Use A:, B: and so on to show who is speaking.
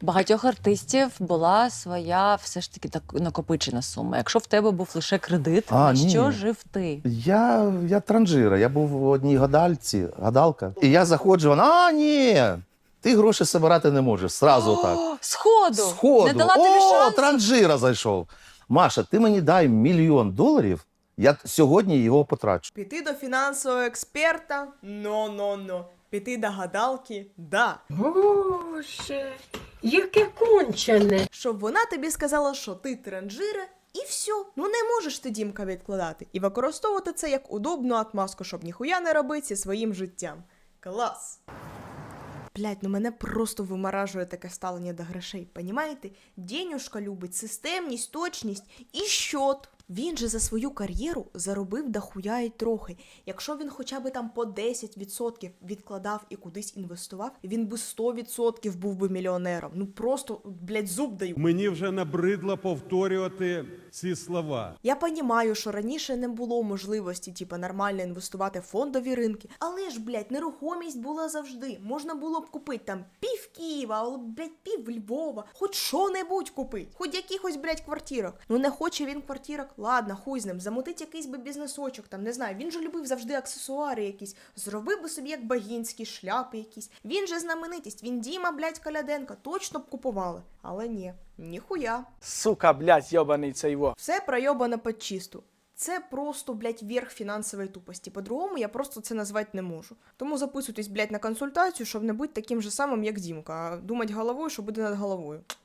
A: багатьох артистів була своя все ж таки так накопичена сума. Якщо в тебе був лише кредит, на що жив ти?
B: Я транжира, я був в одній гадалка. І я заходжу, вона, ні, ти гроші збирати не можеш, сразу так.
A: Сходу!
B: Сходу,
A: Не дала тобі шансу?
B: транжира зайшов. Маша, ти мені дай $1 мільйон, я сьогодні його потрачу.
C: Піти до фінансового експерта? Но. Піти до гадалки? Да.
D: Боже, яке кончене.
C: Щоб вона тобі сказала, що ти транжира, і все. Ну не можеш ти, Дімка, відкладати. І використовувати це як удобну отмазку, щоб ніхуя не робити зі своїм життям. Клас! Блять, ну мене просто вимаражує таке ставлення до грошей, понімаєте? Денюшка любить системність, точність і щот. Він же за свою кар'єру заробив дохуя й трохи. Якщо він хоча б там по 10% відкладав і кудись інвестував, він би 100% був би мільйонером. Ну просто, блять, зуб даю.
E: Мені вже набридло повторювати ці слова.
C: Я понімаю, що раніше не було можливості, нормально інвестувати в фондові ринки, але ж, блядь, нерухомість була завжди. Можна було б купити там пів Києва, або, блядь, пів Львова, хоч що-небудь купити, хоч якихось, блядь, квартирок. Ну не хоче він квартирок, ладно, хуй з ним, замутить якийсь би бізнесочок, там, не знаю, він же любив завжди аксесуари якісь, зробив би собі як Багінський, шляпи якісь. Він же знаменитість, він Діма, блядь, Коляденко, точно б купували. Але ні, ніхуя.
F: Сука, блядь, йобаний цей його.
C: Все пройобано під чисту. Це просто, блядь, верх фінансової тупості. По-другому я просто це назвати не можу. Тому записуйтесь, блядь, на консультацію, щоб не бути таким же самим, як Дімка, а думати головою, що буде над головою.